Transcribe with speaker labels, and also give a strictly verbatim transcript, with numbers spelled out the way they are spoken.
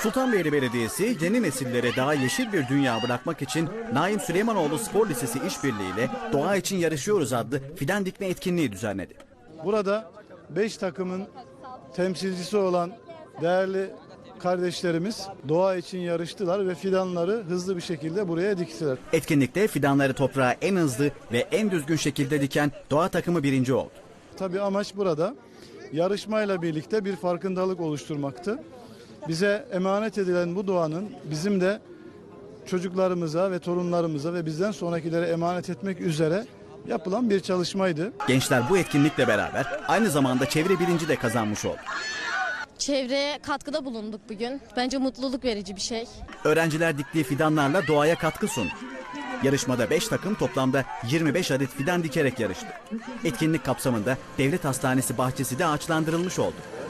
Speaker 1: Sultanbeyli Belediyesi yeni nesillere daha yeşil bir dünya bırakmak için Naim Süleymanoğlu Spor Lisesi işbirliğiyle Doğa için Yarışıyoruz adlı fidan dikme etkinliği düzenledi.
Speaker 2: Burada beş takımın temsilcisi olan değerli kardeşlerimiz doğa için yarıştılar ve fidanları hızlı bir şekilde buraya diktiler.
Speaker 1: Etkinlikte fidanları toprağa en hızlı ve en düzgün şekilde diken Doğa takımı birinci oldu.
Speaker 2: Tabii amaç burada yarışmayla birlikte bir farkındalık oluşturmaktı. Bize emanet edilen bu doğanın bizim de çocuklarımıza ve torunlarımıza ve bizden sonrakilere emanet etmek üzere yapılan bir çalışmaydı.
Speaker 1: Gençler bu etkinlikle beraber aynı zamanda çevre bilinci de kazanmış oldu.
Speaker 3: Çevreye katkıda bulunduk bugün. Bence mutluluk verici bir şey.
Speaker 1: Öğrenciler diktiği fidanlarla doğaya katkı sundu. Yarışmada beş takım toplamda yirmi beş adet fidan dikerek yarıştı. Etkinlik kapsamında Devlet Hastanesi bahçesi de ağaçlandırılmış oldu.